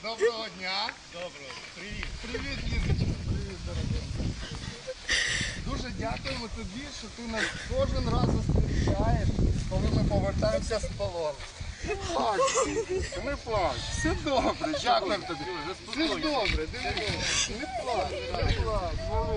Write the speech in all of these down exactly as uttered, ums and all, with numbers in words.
Доброго дня. Доброго. Привіт. Привіт, Лізочка. Привіт, дорога. Дуже дякуємо тобі, що ти нас кожен раз зустрічаєш, коли ми повертаємося з полону. Не плач, не плач. Все добре, дякуємо тобі. Все ж добре, дивись. Не плач, не плач.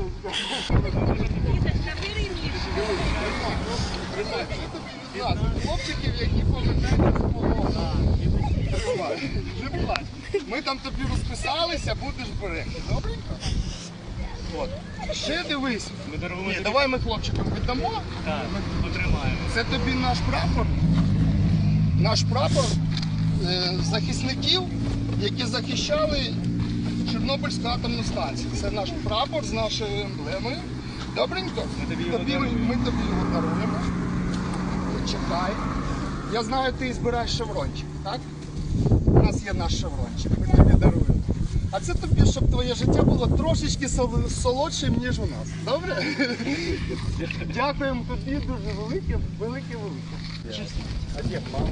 Тримай, це тобі від нас, хлопчиків, які повертаються з полону. Не плач. Ми там тобі розписалися, будеш берегти. Добренько? От. Ще дивись. Ми даруємо Ні, тобі- давай ми хлопчикам віддамо. Так, потримаємо. Це тобі наш прапор. Наш прапор е, захисників, які захищали Чорнобильську атомну станцію. Це наш прапор з нашою емблемою. Добренько? Ми тобі його Тобі- даруємо. ми тобі його даруємо. Чекай. Я знаю, ти збираєш шеврончик, так? У нас є наш шеврончик, ми тобі даруємо. А це тобі, щоб твоє життя було трошечки сол- солодшим, ніж у нас. Добре? Дякуємо тобі дуже велике, велике, велике. А де мама?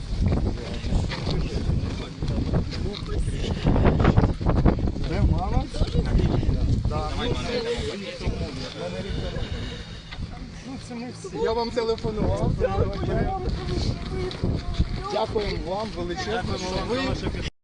Де мама? Да, ну, це- Ну, це ми всі. Я вам телефонував. Дякуємо вам величезно, що ви